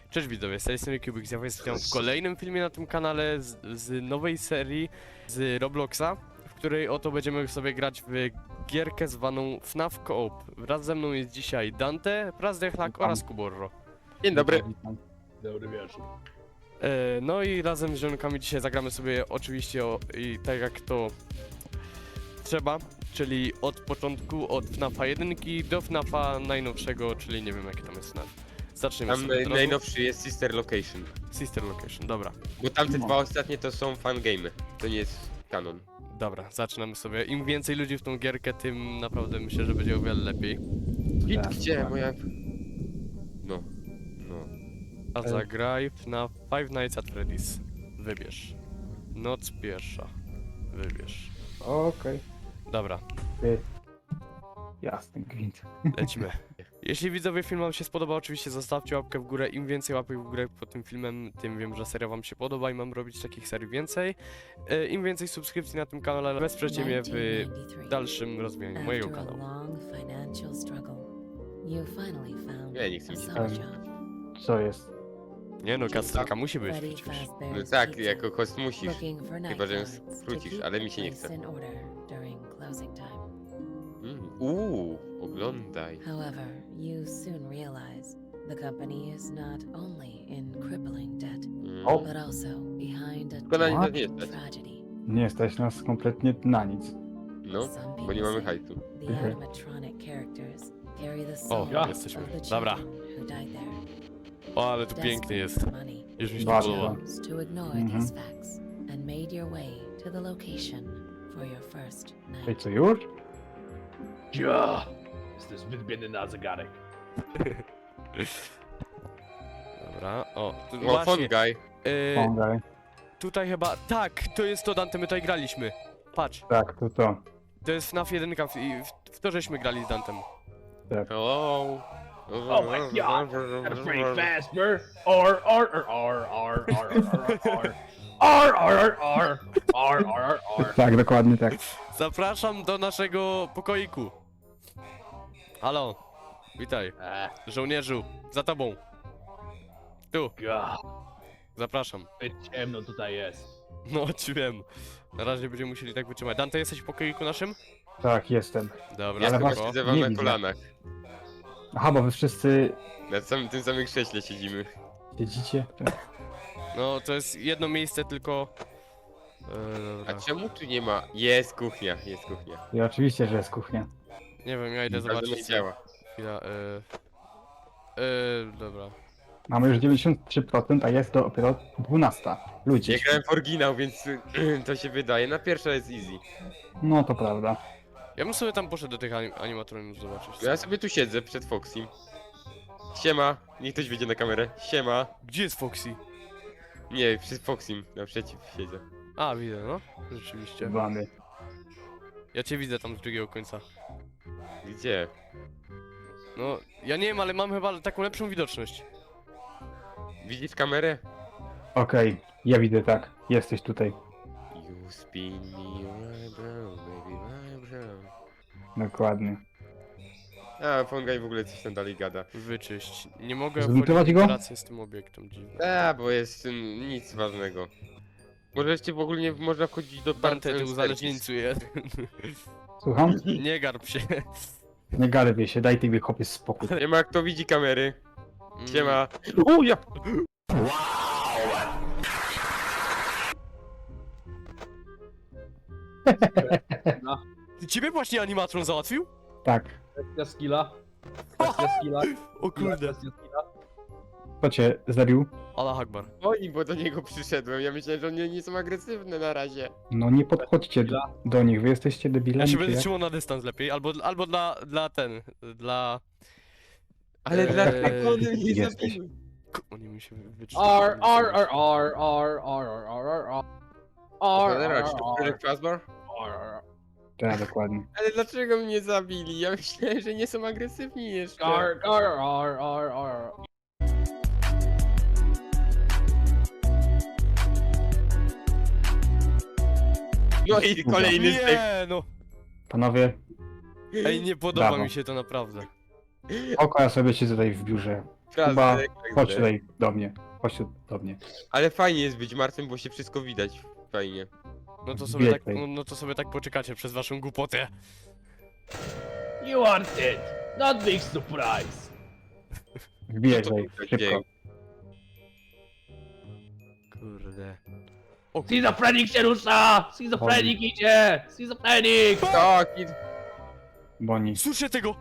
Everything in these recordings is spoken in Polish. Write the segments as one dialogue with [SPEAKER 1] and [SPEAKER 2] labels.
[SPEAKER 1] Cześć widzowie, z tej strony Kubik, ja jestem w kolejnym filmie na tym kanale z nowej serii z Robloxa, w której oto będziemy sobie grać w gierkę zwaną FNAF Co-op. Wraz ze mną jest dzisiaj Dante, Prazdechlak oraz Kuborro.
[SPEAKER 2] Dzień dobry.
[SPEAKER 3] Dobry wieczór.
[SPEAKER 1] No i razem z żonkami dzisiaj zagramy sobie oczywiście i tak jak to trzeba, czyli od początku, od FNAFa 1 do FNAFa najnowszego, czyli nie wiem jaki tam jest FNAF. Zaczniemy
[SPEAKER 2] Tam
[SPEAKER 1] sobie od razu.
[SPEAKER 2] najnowszy jest Sister Location.
[SPEAKER 1] Sister Location, dobra.
[SPEAKER 2] Bo tamte
[SPEAKER 3] No.
[SPEAKER 2] dwa ostatnie to są fangame'y. To nie jest kanon.
[SPEAKER 1] Dobra, zaczynamy sobie. Im więcej ludzi w tą gierkę, tym naprawdę myślę, że będzie o wiele lepiej.
[SPEAKER 2] Git,
[SPEAKER 3] Tak,
[SPEAKER 2] gdzie
[SPEAKER 3] dokładnie.
[SPEAKER 2] moja... No.
[SPEAKER 1] A zagraj na Five Nights at Freddy's. Wybierz. Noc pierwsza. Wybierz.
[SPEAKER 3] Okej.
[SPEAKER 1] Dobra,
[SPEAKER 3] Jasny gwint.
[SPEAKER 1] lecimy. Jeśli widzowie film wam się spodoba, oczywiście zostawcie łapkę w górę. Im więcej łapek w górę pod tym filmem, tym wiem, że seria wam się podoba i mam robić takich serii więcej. Im więcej subskrypcji na tym kanale, wesprzecie mnie w dalszym rozwijaniu mojego kanału.
[SPEAKER 2] Ja nie chcę mi się
[SPEAKER 3] Co jest?
[SPEAKER 1] Nie no, kastenka musi być przecież.
[SPEAKER 2] No tak, jako host musisz. Chyba, że ją skrócisz, ale mi się nie chce. Oglądaj.
[SPEAKER 4] However, you soon realize the company is not only in crippling debt,
[SPEAKER 3] O.
[SPEAKER 4] but also behind a
[SPEAKER 2] Tylko na nic
[SPEAKER 3] What?
[SPEAKER 2] nie stać.
[SPEAKER 4] tragedy.
[SPEAKER 3] Nie stać nas kompletnie na nic.
[SPEAKER 2] No,
[SPEAKER 4] Some
[SPEAKER 2] bo
[SPEAKER 4] people
[SPEAKER 2] nie mamy
[SPEAKER 4] say
[SPEAKER 2] hajsu.
[SPEAKER 4] The
[SPEAKER 3] Mhm.
[SPEAKER 4] animatronic characters carry the
[SPEAKER 1] O,
[SPEAKER 4] soul
[SPEAKER 1] ja.
[SPEAKER 4] of
[SPEAKER 1] Jesteśmy.
[SPEAKER 4] the
[SPEAKER 1] Dobra.
[SPEAKER 4] children who died there.
[SPEAKER 1] O, ale tu pięknie jest.
[SPEAKER 4] Desperate for money,
[SPEAKER 1] Już mi się
[SPEAKER 3] Bardzo.
[SPEAKER 1] podoba.
[SPEAKER 4] chose to ignore
[SPEAKER 3] Mhm.
[SPEAKER 4] these facts and made your way to the location for your first
[SPEAKER 3] Ej,
[SPEAKER 4] night.
[SPEAKER 3] co już?
[SPEAKER 5] Ja! Jestem zbyt biedny na zegarek.
[SPEAKER 1] Dobra, o, tu
[SPEAKER 2] O,
[SPEAKER 1] właśnie,
[SPEAKER 2] fun guy.
[SPEAKER 3] Pomagaj.
[SPEAKER 1] tutaj chyba, tak, to jest to Dante, my tutaj graliśmy. Patrz,
[SPEAKER 3] Tak, to.
[SPEAKER 1] to jest FNAF 1 i w to żeśmy grali z Dantem.
[SPEAKER 2] Hello.
[SPEAKER 5] Oh my god! Gotta pray faster! R R R R R R R R R R R R R.
[SPEAKER 3] Tak, dokładnie tak.
[SPEAKER 1] Zapraszam do naszego pokoiku. Halo, witaj, żołnierzu, za tobą. Tu,
[SPEAKER 5] God,
[SPEAKER 1] zapraszam.
[SPEAKER 5] ciemno tutaj jest.
[SPEAKER 1] No, ci wiem. Na razie będziemy musieli tak wytrzymać. Dante, jesteś w pokoiku naszym?
[SPEAKER 3] Tak, jestem.
[SPEAKER 1] Dobra,
[SPEAKER 2] Ja
[SPEAKER 3] Ale
[SPEAKER 2] chyba
[SPEAKER 3] was
[SPEAKER 2] siedzę wam
[SPEAKER 3] nie
[SPEAKER 2] na
[SPEAKER 3] widzę.
[SPEAKER 2] kolanach.
[SPEAKER 3] Aha, bo wy wszyscy
[SPEAKER 2] Na tym samym krześle siedzimy.
[SPEAKER 3] siedzicie?
[SPEAKER 1] no to jest jedno miejsce tylko...
[SPEAKER 2] A
[SPEAKER 1] dobra.
[SPEAKER 2] czemu tu nie ma? Jest kuchnia, jest kuchnia.
[SPEAKER 3] I oczywiście, że jest kuchnia.
[SPEAKER 1] Nie wiem, ja idę
[SPEAKER 2] Ale
[SPEAKER 1] zobaczyć.
[SPEAKER 2] nie działa.
[SPEAKER 1] Chwila, dobra.
[SPEAKER 3] Mamy już 93%, a jest dopiero 12. Ludzie.
[SPEAKER 2] Nie grałem w oryginał, więc to się wydaje. Na pierwsza jest easy.
[SPEAKER 3] No to prawda.
[SPEAKER 1] Ja bym sobie tam poszedł do tych animatroników zobaczyć.
[SPEAKER 2] Ja sobie tu siedzę przed Foxym. Siema, niech ktoś wyjdzie na kamerę. Siema.
[SPEAKER 1] Gdzie jest Foxy?
[SPEAKER 2] Nie, przed Foxym, naprzeciw siedzę.
[SPEAKER 1] A, widzę, no. Rzeczywiście.
[SPEAKER 3] Wamy.
[SPEAKER 1] Ja cię widzę tam z drugiego końca.
[SPEAKER 2] Gdzie?
[SPEAKER 1] No, ja nie wiem, ale mam chyba taką lepszą widoczność.
[SPEAKER 2] Widzisz kamerę?
[SPEAKER 3] Okej, ja widzę tak. Jesteś tutaj.
[SPEAKER 2] You spin me right brown, baby right brown.
[SPEAKER 3] Dokładnie.
[SPEAKER 2] A, Fongaj w ogóle coś tam dalej gada.
[SPEAKER 1] Wyczyść. Nie mogę
[SPEAKER 3] Zlutować
[SPEAKER 1] wchodzić w
[SPEAKER 3] go?
[SPEAKER 1] relację z tym obiektem, dziwne.
[SPEAKER 2] A, bo jest nic ważnego. Możecie w ogóle nie można wchodzić do
[SPEAKER 1] Dante, ty
[SPEAKER 2] Service.
[SPEAKER 1] uzależnieńcu jest.
[SPEAKER 3] Słucham?
[SPEAKER 1] Nie garb się.
[SPEAKER 3] Nie garbię się, daj tej chłopie spokój.
[SPEAKER 2] Nie ma kto widzi kamery.
[SPEAKER 1] Mm.
[SPEAKER 2] Siema. O ja!
[SPEAKER 1] Ciebie właśnie animatron załatwił?
[SPEAKER 3] Tak.
[SPEAKER 5] Kwestia skilla. Kwestia skilla.
[SPEAKER 1] O kurde.
[SPEAKER 5] Kwestia skilla.
[SPEAKER 3] Kto cię zabił?
[SPEAKER 1] Allah Akbar.
[SPEAKER 2] Oni, bo do niego przyszedłem. Ja myślałem, że oni nie są agresywne na razie.
[SPEAKER 3] No nie podchodźcie do nich, wy jesteście
[SPEAKER 1] Ja
[SPEAKER 3] debilami.
[SPEAKER 1] się
[SPEAKER 3] czy
[SPEAKER 1] będę
[SPEAKER 3] jak?
[SPEAKER 1] trzymał na dystans lepiej, albo dla
[SPEAKER 2] Ale
[SPEAKER 1] Eee,
[SPEAKER 2] dlaczego one mnie
[SPEAKER 3] jesteś.
[SPEAKER 2] zabiły?
[SPEAKER 1] Oni mi się
[SPEAKER 5] R R R R R R R R R
[SPEAKER 2] Cholera, czy to Fredek Fazbear?
[SPEAKER 5] R
[SPEAKER 3] Tak, dokładnie.
[SPEAKER 2] Ale dlaczego mnie zabili? Ja myślałem, że nie są agresywni jeszcze.
[SPEAKER 5] R R R R R.
[SPEAKER 2] No i kolejny stek.
[SPEAKER 1] Nie no!
[SPEAKER 3] Panowie,
[SPEAKER 1] Ej, nie podoba
[SPEAKER 3] Brawo.
[SPEAKER 1] mi się to naprawdę.
[SPEAKER 3] oko, ja sobie siedzę tutaj w biurze. Chyba
[SPEAKER 2] Frazek,
[SPEAKER 3] chodź tutaj do mnie. Chodź tu do mnie.
[SPEAKER 2] Ale fajnie jest być martwym, bo się wszystko widać. Fajnie.
[SPEAKER 1] No to sobie tak poczekacie przez waszą głupotę.
[SPEAKER 5] You are dead. Not big surprise.
[SPEAKER 3] Wbijaj
[SPEAKER 2] To
[SPEAKER 3] tutaj,
[SPEAKER 2] był
[SPEAKER 3] szybko.
[SPEAKER 2] dzień.
[SPEAKER 1] Kurde.
[SPEAKER 5] Schizofrenik się rusza! Schizofrenik idzie! Schizofrenik!
[SPEAKER 2] Tak, i...
[SPEAKER 3] Boni.
[SPEAKER 1] Słyszę tego!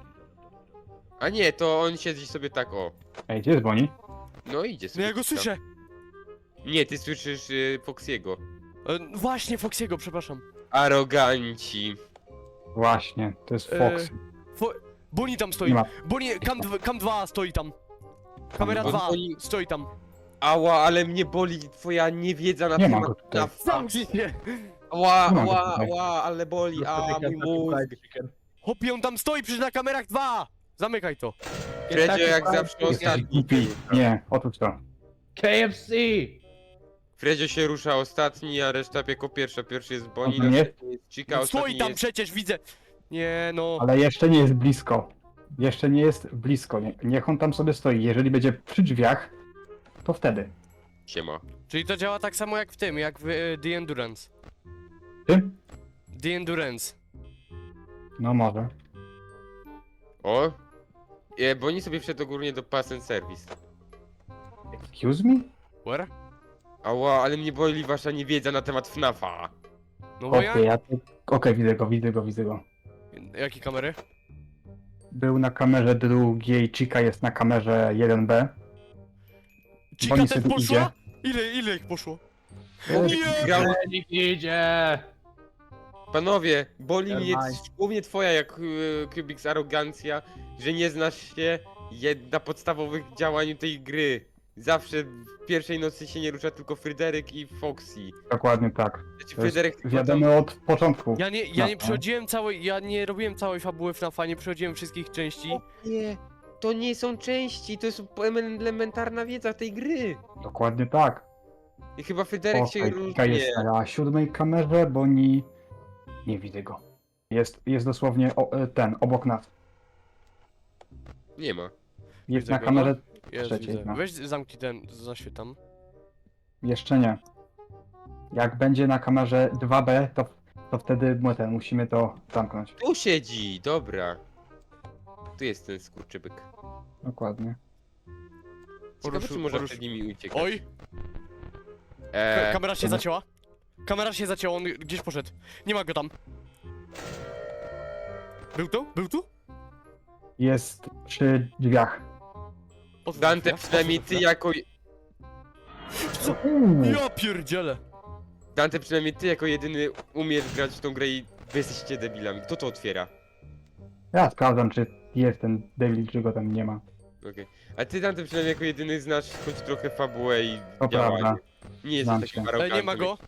[SPEAKER 2] A nie, to on siedzi sobie tak, o.
[SPEAKER 3] Ej, gdzie jest Boni?
[SPEAKER 2] No idzie
[SPEAKER 1] No
[SPEAKER 2] sobie.
[SPEAKER 1] ja go
[SPEAKER 2] tam.
[SPEAKER 1] słyszę!
[SPEAKER 2] Nie, ty słyszysz Foxiego.
[SPEAKER 1] Właśnie, Foxiego, przepraszam.
[SPEAKER 2] Aroganci.
[SPEAKER 3] Właśnie, to jest Fox.
[SPEAKER 1] Bonnie tam stoi.
[SPEAKER 3] Nie ma.
[SPEAKER 1] Bonnie, Cam 2 stoi tam. Kamera
[SPEAKER 2] Bo
[SPEAKER 1] 2
[SPEAKER 2] oni-
[SPEAKER 1] stoi tam.
[SPEAKER 2] Ała, ale mnie boli twoja niewiedza na
[SPEAKER 3] Nie ma
[SPEAKER 2] temat
[SPEAKER 3] go tutaj.
[SPEAKER 2] NAF.
[SPEAKER 1] Zamknij się!
[SPEAKER 2] Ała,
[SPEAKER 3] Nie ma go
[SPEAKER 2] ała,
[SPEAKER 3] tutaj.
[SPEAKER 2] ała, ale boli, a mój mózg.
[SPEAKER 1] Hopie, on tam stoi przecież na kamerach 2! Zamykaj to.
[SPEAKER 2] Fredzio jak zawsze
[SPEAKER 3] Jesteś
[SPEAKER 2] ostatni.
[SPEAKER 3] głupi. Nie, otóż to.
[SPEAKER 5] KFC!
[SPEAKER 2] Fredzio się rusza ostatni, a reszta jako pierwsza. Pierwszy jest Bonnie,
[SPEAKER 3] A to nie?
[SPEAKER 2] następny jest Chica,
[SPEAKER 1] No
[SPEAKER 2] ostatni
[SPEAKER 1] stoi tam
[SPEAKER 2] jest...
[SPEAKER 1] przecież, widzę. Nie no.
[SPEAKER 3] Ale jeszcze nie jest blisko. Jeszcze nie jest blisko. Niech on tam sobie stoi. Jeżeli będzie przy drzwiach, to wtedy.
[SPEAKER 2] Siema.
[SPEAKER 1] Czyli to działa tak samo jak w tym, jak w The Endurance.
[SPEAKER 3] Ty?
[SPEAKER 1] The Endurance.
[SPEAKER 3] No może.
[SPEAKER 2] O! Bonnie sobie wszedł ogólnie do Pass and Service.
[SPEAKER 3] Excuse me?
[SPEAKER 1] Where?
[SPEAKER 2] Ała, ale mnie boli wasza niewiedza na temat FNAF-a.
[SPEAKER 1] No bo
[SPEAKER 3] Okej,
[SPEAKER 1] ja...
[SPEAKER 3] ja to... Okej, widzę go.
[SPEAKER 1] Jakie kamery?
[SPEAKER 3] Był na kamerze drugiej, Chica jest na kamerze 1B.
[SPEAKER 1] Chica
[SPEAKER 3] Bonnie
[SPEAKER 1] też
[SPEAKER 3] sobie
[SPEAKER 1] poszła? Ile ich poszło?
[SPEAKER 3] E,
[SPEAKER 1] Nie!
[SPEAKER 2] Grał...
[SPEAKER 5] Schizofrenik idzie!
[SPEAKER 2] Panowie, boli mnie
[SPEAKER 3] Nevermind.
[SPEAKER 2] głównie twoja jak Kubix arogancja, że nie znasz się na podstawowych działaniu tej gry. Zawsze w pierwszej nocy się nie rusza tylko Fryderyk i Foxy.
[SPEAKER 3] Dokładnie tak.
[SPEAKER 2] Znaczy
[SPEAKER 3] To jest
[SPEAKER 2] Fryderyk tylko
[SPEAKER 3] wiadomo od początku.
[SPEAKER 1] Ja nie
[SPEAKER 3] No.
[SPEAKER 1] przechodziłem całej... Ja nie robiłem całej fabuły FNAF-a, nie przechodziłem wszystkich części.
[SPEAKER 2] Nie, to nie są części, to jest elementarna wiedza tej gry.
[SPEAKER 3] Dokładnie tak.
[SPEAKER 2] I chyba Fryderyk się
[SPEAKER 3] Okej, Chica
[SPEAKER 2] różni.
[SPEAKER 3] jest na 7 kamerze, bo nie widzę go. Jest dosłownie obok nas.
[SPEAKER 2] Nie ma.
[SPEAKER 3] Jest
[SPEAKER 1] Widzę
[SPEAKER 3] na
[SPEAKER 1] go,
[SPEAKER 3] kamerze
[SPEAKER 1] Jest,
[SPEAKER 3] trzeciej.
[SPEAKER 1] widzę.
[SPEAKER 3] No.
[SPEAKER 1] Weź zamknij ten, zaświetam.
[SPEAKER 3] Jeszcze nie. Jak będzie na kamerze 2B, to wtedy musimy to zamknąć.
[SPEAKER 2] Tu siedzi, dobra. Tu jest ten skurczybyk.
[SPEAKER 3] Dokładnie.
[SPEAKER 2] Ciekawe, czy może
[SPEAKER 1] Poruszy-
[SPEAKER 2] przed nimi uciekać.
[SPEAKER 1] Oj! Kamera się
[SPEAKER 3] dobra.
[SPEAKER 1] zacięła. Kamera się zacięła, on gdzieś poszedł. Nie ma go tam. Był tu? Był tu?
[SPEAKER 3] Jest przy drzwiach.
[SPEAKER 1] Otwórz
[SPEAKER 2] Dante,
[SPEAKER 1] chwilę,
[SPEAKER 2] przynajmniej
[SPEAKER 1] otwórz
[SPEAKER 2] ty
[SPEAKER 1] chwilę.
[SPEAKER 2] jako...
[SPEAKER 1] Ja pierdzielę!
[SPEAKER 2] Dante, przynajmniej ty jako jedyny umiesz grać w tą grę i wy jesteście debilami. Kto to otwiera?
[SPEAKER 3] Ja sprawdzam, czy jest ten debil, czy go tam nie ma.
[SPEAKER 2] Okej. A ty, Dante, przynajmniej jako jedyny znasz choć trochę fabułę i
[SPEAKER 3] To
[SPEAKER 2] działanie.
[SPEAKER 3] prawda.
[SPEAKER 2] Nie
[SPEAKER 3] Znam
[SPEAKER 2] jesteś takim
[SPEAKER 3] się.
[SPEAKER 2] arogantem.
[SPEAKER 1] Nie ma go.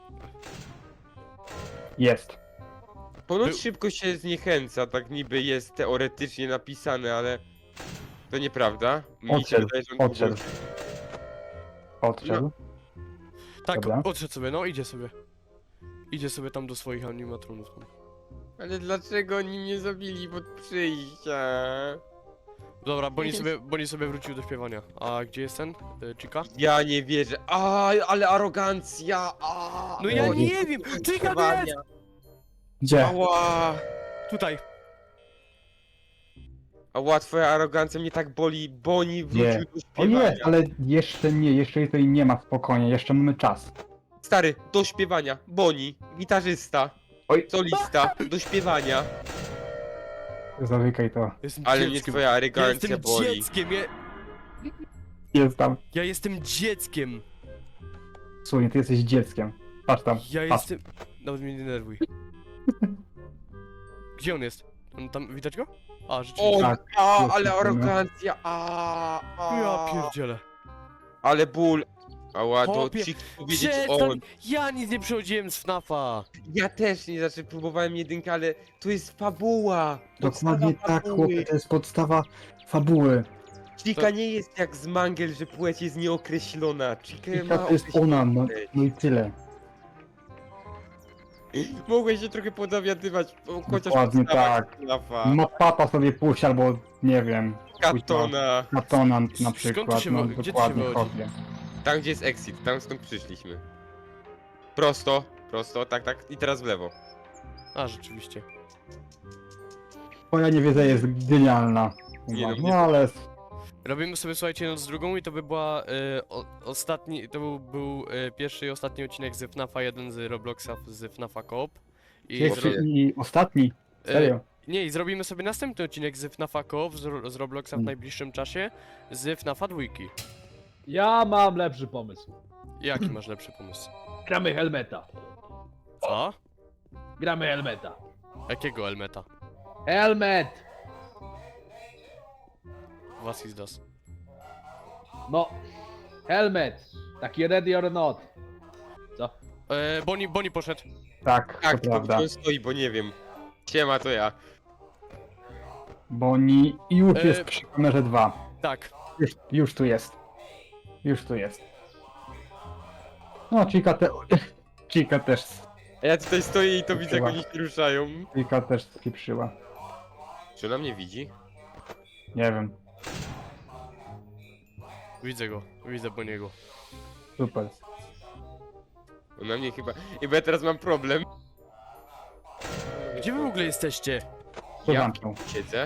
[SPEAKER 3] Jest.
[SPEAKER 2] Ponoć
[SPEAKER 1] Był-
[SPEAKER 2] szybko się zniechęca, tak niby jest teoretycznie napisane, ale... To nieprawda. Mi się
[SPEAKER 3] Odszedł,
[SPEAKER 2] wydaje, że on
[SPEAKER 3] odszedł. Odszedł.
[SPEAKER 1] Tak,
[SPEAKER 3] Dobra.
[SPEAKER 1] odszedł sobie, no idzie sobie. Idzie sobie tam do swoich animatronów.
[SPEAKER 2] Ale dlaczego oni mnie zabili pod przyjścia?
[SPEAKER 1] Dobra, Bonnie sobie wrócił do śpiewania. A gdzie jest ten? Chica?
[SPEAKER 2] Ja nie wierzę. Ale arogancja!
[SPEAKER 1] No ja
[SPEAKER 3] O,
[SPEAKER 1] nie wiem! Chica tu jest!
[SPEAKER 3] Gdzie?
[SPEAKER 2] Ała!
[SPEAKER 1] Tutaj.
[SPEAKER 2] Ała, twoja arogancja mnie tak boli. Bonnie wrócił
[SPEAKER 3] Nie.
[SPEAKER 2] do
[SPEAKER 3] O
[SPEAKER 2] śpiewania.
[SPEAKER 3] jest, ale jeszcze nie, jeszcze tutaj nie ma, spokojnie, jeszcze mamy czas.
[SPEAKER 2] Stary, do śpiewania. Bonnie, gitarzysta.
[SPEAKER 3] Oj.
[SPEAKER 2] Solista, do śpiewania.
[SPEAKER 3] Zamykaj to.
[SPEAKER 1] Jestem
[SPEAKER 2] Ale mnie
[SPEAKER 1] dzieckiem.
[SPEAKER 2] twoja
[SPEAKER 1] Ja
[SPEAKER 2] arogancja
[SPEAKER 1] jestem
[SPEAKER 2] boli.
[SPEAKER 1] dzieckiem,
[SPEAKER 3] Jest tam.
[SPEAKER 1] ja jestem dzieckiem.
[SPEAKER 3] Słuchaj, ty jesteś dzieckiem. Patrz tam.
[SPEAKER 1] Ja
[SPEAKER 3] patrz.
[SPEAKER 1] jestem... Nawet mnie nie denerwuj. Gdzie on jest? On tam, widać go? A, rzeczywiście.
[SPEAKER 2] O,
[SPEAKER 3] Tak, jest
[SPEAKER 2] ale
[SPEAKER 3] taki, no.
[SPEAKER 2] arogancja.
[SPEAKER 1] Ja pierdzielę.
[SPEAKER 2] Ale ból. Ała, to
[SPEAKER 1] Chłopie,
[SPEAKER 2] ci powiedzieć
[SPEAKER 1] Przestań!
[SPEAKER 2] on.
[SPEAKER 1] Ja nic nie przechodziłem z FNAF-a.
[SPEAKER 2] Ja też nie, znaczy próbowałem jedynkę, ale to jest fabuła.
[SPEAKER 3] Dokładnie
[SPEAKER 2] Podstawa
[SPEAKER 3] tak,
[SPEAKER 2] fabuły.
[SPEAKER 3] chłopie, to jest podstawa fabuły.
[SPEAKER 2] Chica nie jest jak z Mangel, że płeć jest nieokreślona. Chica
[SPEAKER 3] I
[SPEAKER 2] ma
[SPEAKER 3] to jest ona, no,
[SPEAKER 2] określoną
[SPEAKER 3] no i tyle.
[SPEAKER 2] płeć. Mogłeś się trochę podowiadywać, chociaż
[SPEAKER 3] Dokładnie
[SPEAKER 2] podstawa
[SPEAKER 3] tak.
[SPEAKER 2] FNAF-a.
[SPEAKER 3] Ma papa sobie puść albo, nie wiem,
[SPEAKER 2] Katona.
[SPEAKER 3] Katona na
[SPEAKER 1] Skąd ty
[SPEAKER 3] przykład,
[SPEAKER 1] się
[SPEAKER 3] no
[SPEAKER 1] gdzie ty się
[SPEAKER 3] dokładnie
[SPEAKER 1] wywodzi?
[SPEAKER 3] kopię.
[SPEAKER 2] Tam gdzie jest exit, tam stąd przyszliśmy. Prosto, tak, i teraz w lewo.
[SPEAKER 1] A, rzeczywiście.
[SPEAKER 3] Twoja niewiedza jest genialna.
[SPEAKER 2] Nie, no,
[SPEAKER 3] No,
[SPEAKER 2] mnie-
[SPEAKER 3] ale
[SPEAKER 1] Robimy sobie, słuchajcie, noc drugą i to by była ostatni, to był pierwszy i ostatni odcinek z FNAFa 1 z Robloxa z FNAFa Coop. I
[SPEAKER 3] pierwszy
[SPEAKER 2] zro-
[SPEAKER 3] i ostatni. Serio.
[SPEAKER 1] nie, i zrobimy sobie następny odcinek z FNAFa Coop z Robloxa w
[SPEAKER 3] Mm.
[SPEAKER 1] najbliższym czasie z FNAFa 2.
[SPEAKER 5] Ja mam lepszy pomysł.
[SPEAKER 1] Jaki masz lepszy pomysł?
[SPEAKER 5] Gramy Helmeta.
[SPEAKER 1] Co?
[SPEAKER 5] Gramy Helmeta.
[SPEAKER 1] Jakiego Elmeta?
[SPEAKER 5] Helmet!
[SPEAKER 1] Was is das?
[SPEAKER 5] No. Helmet. Taki ready or not. Co?
[SPEAKER 1] Bonnie poszedł.
[SPEAKER 3] Tak,
[SPEAKER 2] Tak,
[SPEAKER 3] to
[SPEAKER 2] tylko
[SPEAKER 3] prawda.
[SPEAKER 2] gdzie on stoi, bo nie wiem. Siema, to ja.
[SPEAKER 3] Boni już
[SPEAKER 1] E,
[SPEAKER 3] jest przy kamerze 2.
[SPEAKER 1] Tak.
[SPEAKER 3] Już tu jest. Już tu jest. No, Chica też.
[SPEAKER 2] A ja tutaj stoję i to widzę, jak
[SPEAKER 3] Chyba.
[SPEAKER 2] oni się ruszają.
[SPEAKER 3] Chica też spieprzyła.
[SPEAKER 2] Czy ona mnie widzi?
[SPEAKER 3] Nie wiem.
[SPEAKER 1] Widzę go. Widzę Boniego.
[SPEAKER 3] Super.
[SPEAKER 2] Ona mnie chyba... I bo ja teraz mam problem.
[SPEAKER 1] Gdzie wy w ogóle jesteście?
[SPEAKER 3] To
[SPEAKER 2] Ja
[SPEAKER 3] zamknął.
[SPEAKER 2] siedzę.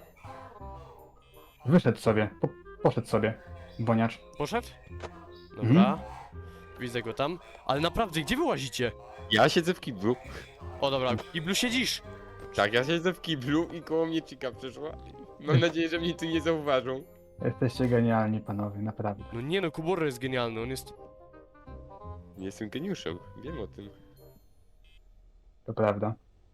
[SPEAKER 3] Wyszedł sobie. Poszedł sobie. Boniacz.
[SPEAKER 1] Poszedł? Dobra. Widzę go tam. Ale naprawdę, gdzie wy łazicie?
[SPEAKER 2] Ja siedzę w kiblu.
[SPEAKER 1] O dobra, w kiblu siedzisz.
[SPEAKER 2] Tak, ja siedzę w kiblu i koło mnie Chica przeszła. Mam nadzieję, że mnie tu nie zauważą.
[SPEAKER 3] Jesteście genialni, panowie, naprawdę.
[SPEAKER 1] No nie no, Kuborro jest genialny, on jest...
[SPEAKER 2] Nie jestem geniuszem, wiem o tym.
[SPEAKER 3] To prawda.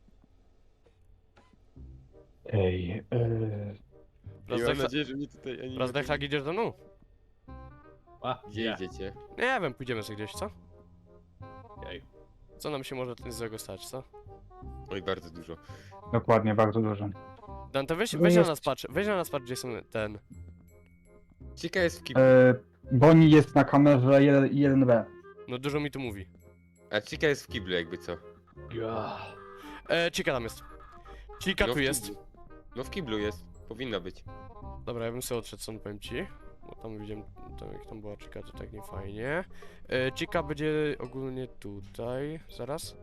[SPEAKER 3] Ej,
[SPEAKER 2] I mam nadzieję, że mnie tutaj ani
[SPEAKER 1] Razdechak, idziesz ze mną?
[SPEAKER 5] A,
[SPEAKER 2] Gdzie
[SPEAKER 5] nie.
[SPEAKER 2] idziecie?
[SPEAKER 1] Nie wiem, pójdziemy sobie gdzieś, co?
[SPEAKER 5] Okej.
[SPEAKER 1] Co nam się może złego stać, co?
[SPEAKER 2] Oj, bardzo dużo.
[SPEAKER 3] dokładnie, bardzo dużo.
[SPEAKER 1] Dante, weź
[SPEAKER 3] No
[SPEAKER 1] na
[SPEAKER 3] jest-
[SPEAKER 1] nas patrz, weź na nas patrz, gdzie są ten...
[SPEAKER 2] Chica jest w kiblu.
[SPEAKER 3] Boni jest na kamerze 1B.
[SPEAKER 1] No dużo mi tu mówi.
[SPEAKER 2] A Chica jest w kiblu jakby co.
[SPEAKER 5] Ja.
[SPEAKER 1] Chica tam jest. Chica
[SPEAKER 2] No
[SPEAKER 1] tu
[SPEAKER 2] w
[SPEAKER 1] jest.
[SPEAKER 2] kiblu. No w kiblu jest. Powinna być.
[SPEAKER 1] Dobra, ja bym sobie odszedł stąd, powiem ci. Bo tam widziałem, tam, jak tam była Chica, to tak nie fajnie. Chica będzie ogólnie tutaj. Zaraz.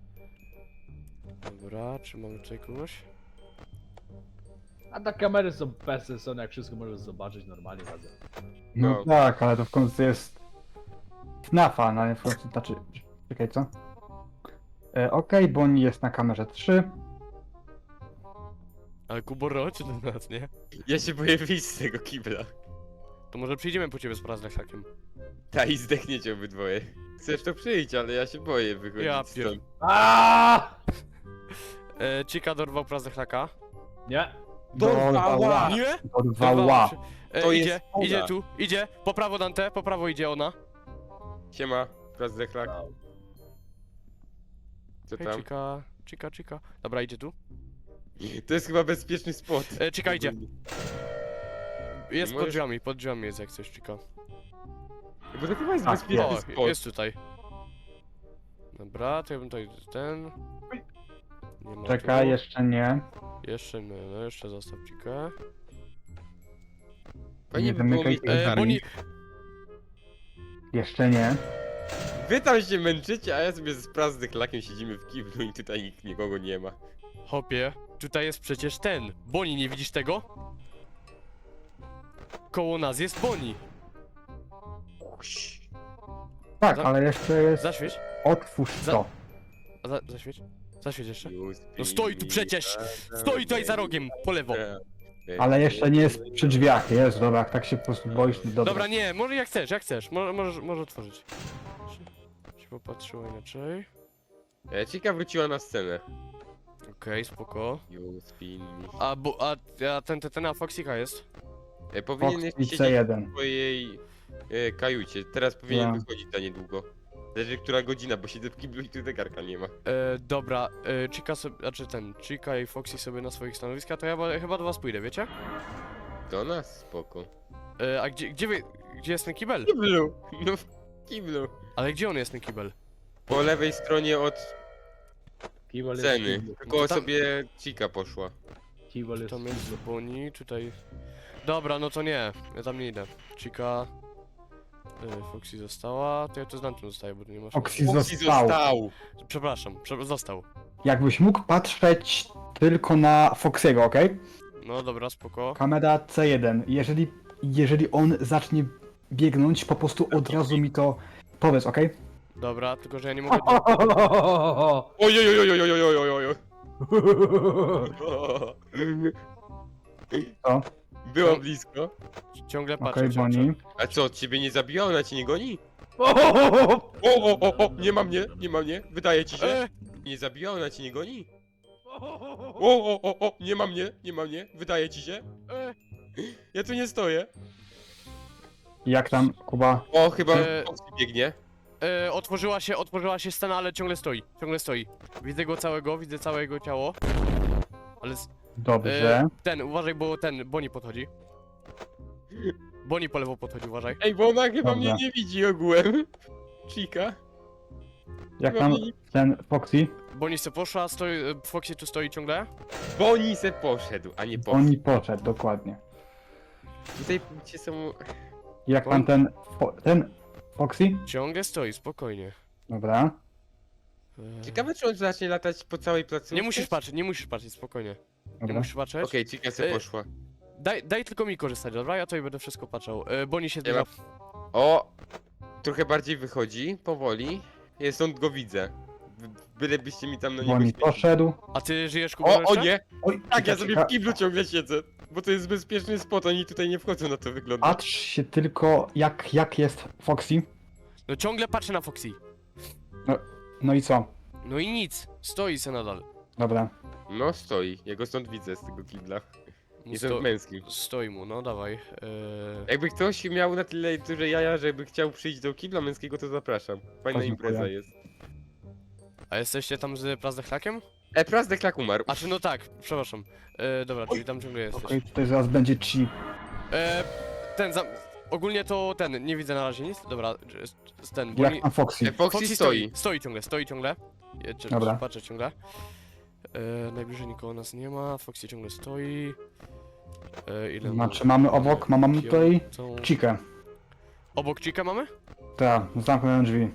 [SPEAKER 1] Dobra, czy mamy tutaj kogoś?
[SPEAKER 5] A te kamery są bezsensowne, jak wszystko możesz zobaczyć normalnie razem.
[SPEAKER 3] No
[SPEAKER 2] No.
[SPEAKER 3] tak, ale to w końcu jest FNAFa, no nie w końcu, znaczy, czekaj, co? Okej, Boni jest na kamerze 3.
[SPEAKER 1] Ale Kuborro, czy do nas, nie?
[SPEAKER 2] Ja się boję wyjść z tego kibla.
[SPEAKER 1] To może przyjdziemy po ciebie z Prazlechakiem.
[SPEAKER 2] Ta i zdechniecie obydwoje. Chcesz to przyjść, ale ja się boję wychodzić
[SPEAKER 1] Ja
[SPEAKER 2] stąd.
[SPEAKER 5] Aaaa!
[SPEAKER 1] Chica dorwał Prazlechaka.
[SPEAKER 5] Nie.
[SPEAKER 2] Dorwała!
[SPEAKER 1] Nie?
[SPEAKER 3] Dorwała.
[SPEAKER 2] To
[SPEAKER 1] Idzie,
[SPEAKER 2] jest ona.
[SPEAKER 1] idzie tu, idzie. Po prawo Dante, po prawo idzie ona.
[SPEAKER 2] Siema, Prazdechlak. Co
[SPEAKER 1] Hej,
[SPEAKER 2] tam?
[SPEAKER 1] Chica. Dobra, idzie tu.
[SPEAKER 2] To jest chyba bezpieczny spot.
[SPEAKER 1] Chica idzie. Jest
[SPEAKER 2] Możesz-
[SPEAKER 1] pod drzwiami jest jak coś, Chica.
[SPEAKER 2] Bo to chyba jest
[SPEAKER 3] Tak,
[SPEAKER 2] bezpieczny
[SPEAKER 1] O,
[SPEAKER 2] spot.
[SPEAKER 1] jest tutaj. Dobra, to ja bym tutaj ten... Nie ma
[SPEAKER 3] Czekaj,
[SPEAKER 1] tu.
[SPEAKER 3] jeszcze nie.
[SPEAKER 1] Jeszcze nie, no jeszcze zostaw Chica.
[SPEAKER 2] Fajnie
[SPEAKER 3] Nie
[SPEAKER 2] by było
[SPEAKER 3] zamykaj
[SPEAKER 2] mieć
[SPEAKER 3] tych
[SPEAKER 2] ten
[SPEAKER 3] drzwi.
[SPEAKER 1] Boni...
[SPEAKER 3] Jeszcze nie.
[SPEAKER 2] Wy tam się męczycie, a ja sobie z Prazdechlakiem siedzimy w kiblu i tutaj nikt nikogo nie ma.
[SPEAKER 1] Hopie, tutaj jest przecież ten. Boni, nie widzisz tego? Koło nas jest Boni.
[SPEAKER 3] Tak,
[SPEAKER 1] Za-
[SPEAKER 3] ale jeszcze jest...
[SPEAKER 1] Zaświeć.
[SPEAKER 3] Otwórz
[SPEAKER 1] Za-
[SPEAKER 3] to.
[SPEAKER 1] Zaświeć. Zaświeć jeszcze.
[SPEAKER 2] No
[SPEAKER 1] No stoi tu przecież! Stoi tutaj za rogiem, po lewo.
[SPEAKER 3] Ale jeszcze nie jest przy drzwiach, jest, dobra, jak tak się po prostu boisz, to dobra.
[SPEAKER 1] Dobra, nie, może jak chcesz. Możesz otworzyć. Się popatrzyło inaczej.
[SPEAKER 2] Chica wróciła na scenę.
[SPEAKER 1] Okej, spoko.
[SPEAKER 2] You spin me.
[SPEAKER 1] A ten Foxika jest?
[SPEAKER 2] Powinien
[SPEAKER 3] Fox
[SPEAKER 2] jeszcze
[SPEAKER 3] i
[SPEAKER 2] siedzieć
[SPEAKER 3] C1.
[SPEAKER 2] w swojej kajucie. Teraz powinien
[SPEAKER 3] Ja.
[SPEAKER 2] wychodzić za niedługo. Zależy która godzina, bo siedzę w kiblu i tu zegarka nie ma.
[SPEAKER 1] Dobra, Chica sobie, Chica i Foxy sobie na swoich stanowiskach, to ja chyba do was pójdę, wiecie?
[SPEAKER 2] Do nas, spoko.
[SPEAKER 1] A gdzie jest ten kibel?
[SPEAKER 2] W kiblu! No w kiblu.
[SPEAKER 1] Ale gdzie on jest, ten kibel?
[SPEAKER 2] Po lewej stronie od
[SPEAKER 5] Kibol jest
[SPEAKER 2] sceny.
[SPEAKER 5] kiblu.
[SPEAKER 2] Tylko
[SPEAKER 1] To tam-
[SPEAKER 2] sobie Chica poszła.
[SPEAKER 5] Kibol jest
[SPEAKER 1] Tam jest Boni, tutaj... Dobra, no to nie. Ja tam nie idę. Chica... Foxy została, to ja tu z Dantem zostaję, bo tu nie masz...
[SPEAKER 3] Foxy
[SPEAKER 2] Foxy
[SPEAKER 3] został.
[SPEAKER 2] został.
[SPEAKER 1] Przepraszam, został.
[SPEAKER 3] Jakbyś mógł patrzeć tylko na Foxy'ego, okej?
[SPEAKER 1] No dobra, spoko.
[SPEAKER 3] Kamera C1. Jeżeli on zacznie biegnąć, po prostu od razu mi to powiedz, okej?
[SPEAKER 1] Dobra, tylko że ja nie mogę...
[SPEAKER 2] Ojojojojojojojojojoj.
[SPEAKER 3] Co?
[SPEAKER 2] Było blisko.
[SPEAKER 1] Ciągle patrzę,
[SPEAKER 3] Okej, Bonnie.
[SPEAKER 2] A co, ciebie nie zabiła? Ona cię nie goni?
[SPEAKER 5] O,
[SPEAKER 2] O, nie ma mnie, nie ma mnie. Wydaje ci się? Nie zabiła? Ona cię nie goni? O, nie ma mnie, nie ma mnie. Wydaje ci się? Ja tu nie stoję.
[SPEAKER 3] Jak tam, Kuba?
[SPEAKER 2] O, chyba
[SPEAKER 1] E,
[SPEAKER 2] Foxy biegnie.
[SPEAKER 1] Otworzyła się scena, ale ciągle stoi. Widzę go całego, widzę całe jego ciało. Ale...
[SPEAKER 3] Dobrze.
[SPEAKER 1] Uważaj, bo Bonnie podchodzi. Bonnie po lewo podchodzi, uważaj.
[SPEAKER 2] Ej, bo ona chyba
[SPEAKER 3] Dobra.
[SPEAKER 2] mnie nie widzi ogółem. Chica.
[SPEAKER 3] Jak
[SPEAKER 2] chyba
[SPEAKER 3] tam
[SPEAKER 2] mnie nie-
[SPEAKER 3] ten Foxy?
[SPEAKER 1] Bonnie se poszła, Foxy tu stoi ciągle.
[SPEAKER 2] Bonnie se poszedł, a nie poszedł.
[SPEAKER 3] Oni poszedł, dokładnie.
[SPEAKER 2] Tutaj cię są...
[SPEAKER 3] Jak tam ten Foxy?
[SPEAKER 1] Ciągle stoi, spokojnie.
[SPEAKER 3] Dobra.
[SPEAKER 2] Ciekawe, czy on zacznie latać po całej placówce?
[SPEAKER 1] Nie musisz patrzeć, spokojnie. Nie
[SPEAKER 3] Dobra.
[SPEAKER 1] musisz patrzeć.
[SPEAKER 2] Okej, Chica se
[SPEAKER 1] E,
[SPEAKER 2] poszła.
[SPEAKER 1] Daj tylko mi korzystać, dobra? Ja tutaj będę wszystko patrzał. Bonnie się
[SPEAKER 2] Nie ma-
[SPEAKER 1] zbliża.
[SPEAKER 2] O! Trochę bardziej wychodzi, powoli. Ja stąd go widzę. Bylebyście mi tam na niego
[SPEAKER 3] Bonnie
[SPEAKER 2] świecili.
[SPEAKER 3] poszedł.
[SPEAKER 1] A ty żyjesz, Kuba,
[SPEAKER 2] O
[SPEAKER 1] jeszcze?
[SPEAKER 2] nie!
[SPEAKER 3] Oj,
[SPEAKER 2] Tak, ja
[SPEAKER 3] czeka,
[SPEAKER 2] sobie
[SPEAKER 3] czeka.
[SPEAKER 2] w kiblu ciągle siedzę. Bo to jest bezpieczny spot, oni tutaj nie wchodzą na to wygląda.
[SPEAKER 3] Patrz się tylko jak jest Foxy.
[SPEAKER 1] No ciągle patrzę na Foxy.
[SPEAKER 3] No i co?
[SPEAKER 1] No i nic, stoi se nadal.
[SPEAKER 3] Dobra.
[SPEAKER 2] No stoi, ja go stąd widzę z tego kibla.
[SPEAKER 1] No
[SPEAKER 2] Jestem męski.
[SPEAKER 1] Stoi mu, no dawaj.
[SPEAKER 2] Jakby ktoś miał na tyle duże jaja, żeby chciał przyjść do kibla męskiego, to zapraszam. Fajna
[SPEAKER 3] Dziękuję.
[SPEAKER 2] impreza jest.
[SPEAKER 1] A jesteście tam z Prazdechlakiem?
[SPEAKER 2] Prazdechlak umarł.
[SPEAKER 1] A czy no tak, przepraszam. Dobra, czyli tam ciągle jesteś.
[SPEAKER 3] Okej, tutaj zaraz będzie ci.
[SPEAKER 1] Ogólnie to nie widzę na razie nic. Dobra, ten,
[SPEAKER 3] Jak tam Foxy?
[SPEAKER 2] Foxy stoi.
[SPEAKER 1] Stoi ciągle.
[SPEAKER 3] Dobra.
[SPEAKER 1] Patrzę ciągle. Najbliżej nikogo nas nie ma, Foxy ciągle stoi. Ile
[SPEAKER 3] Znaczy mamy obok, mamy tutaj
[SPEAKER 1] Tą...
[SPEAKER 3] Chikę.
[SPEAKER 1] Obok Chica mamy?
[SPEAKER 3] Tak, zamknąłem drzwi.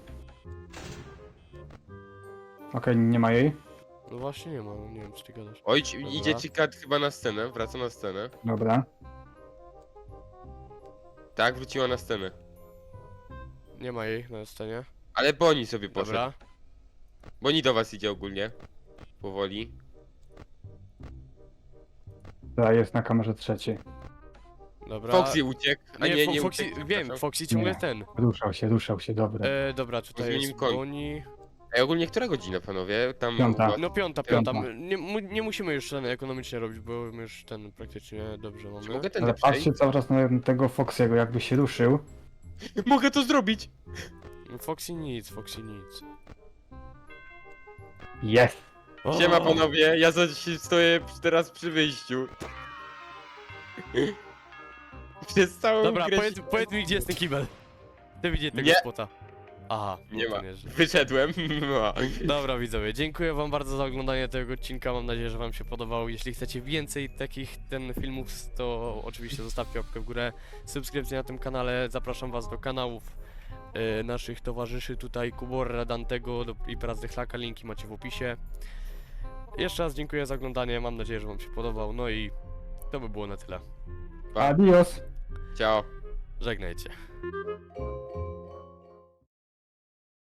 [SPEAKER 3] Okej, nie ma jej.
[SPEAKER 1] No właśnie nie ma, nie wiem czy ty gadasz.
[SPEAKER 2] Oj,
[SPEAKER 1] Dobra.
[SPEAKER 2] idzie Chica chyba na scenę, wraca na scenę.
[SPEAKER 3] Dobra.
[SPEAKER 2] Tak, wróciła na scenę.
[SPEAKER 1] Nie ma jej na scenie.
[SPEAKER 2] Ale Bonnie sobie poszedł.
[SPEAKER 1] Dobra.
[SPEAKER 2] Bonnie do was idzie ogólnie. Powoli.
[SPEAKER 3] Ta jest na kamerze trzeciej.
[SPEAKER 1] Dobra.
[SPEAKER 2] Foxy uciekł. A nie
[SPEAKER 1] Foxy,
[SPEAKER 2] uciekł.
[SPEAKER 1] wiem,
[SPEAKER 2] przepraszam.
[SPEAKER 1] Foxy ciągle
[SPEAKER 3] Nie.
[SPEAKER 1] ten.
[SPEAKER 3] Ruszał się, dobra.
[SPEAKER 1] Dobra, tutaj
[SPEAKER 2] Zmienił
[SPEAKER 1] jest
[SPEAKER 2] koń.
[SPEAKER 1] Bonnie.
[SPEAKER 2] Ej, ogólnie która godzina, panowie? Tam...
[SPEAKER 3] Piąta.
[SPEAKER 2] była-
[SPEAKER 1] No piąta.
[SPEAKER 3] Piąta.
[SPEAKER 1] Nie musimy już ten ekonomicznie robić, bo my już ten praktycznie dobrze
[SPEAKER 2] Czy
[SPEAKER 1] mamy.
[SPEAKER 2] mogę ten
[SPEAKER 3] Ale
[SPEAKER 2] przejść?
[SPEAKER 3] patrzcie cały czas na tego Foxy'ego, jakby się ruszył.
[SPEAKER 2] Mogę to zrobić!
[SPEAKER 1] Foxy nic.
[SPEAKER 3] Jest!
[SPEAKER 2] Siema panowie, ja stoję teraz przy wyjściu. Przez całą
[SPEAKER 1] Dobra,
[SPEAKER 2] grę
[SPEAKER 1] powiedz mi gdzie jest ten kibel. Ty widzisz tego
[SPEAKER 2] Nie.
[SPEAKER 1] spota. Aha,
[SPEAKER 2] Nie
[SPEAKER 1] no to
[SPEAKER 2] ma.
[SPEAKER 1] że-
[SPEAKER 2] Wyszedłem. No.
[SPEAKER 1] Dobra widzowie, dziękuję wam bardzo za oglądanie tego odcinka, mam nadzieję, że wam się podobał. Jeśli chcecie więcej takich filmów, to oczywiście zostawcie łapkę w górę, subskrypcję na tym kanale, zapraszam was do kanałów naszych towarzyszy tutaj, Kuborra, Dantego i Prazdechlaka, linki macie w opisie. Jeszcze raz dziękuję za oglądanie, mam nadzieję, że wam się podobał, no i to by było na tyle.
[SPEAKER 2] Pa.
[SPEAKER 3] Adios!
[SPEAKER 2] Ciao.
[SPEAKER 1] Żegnajcie.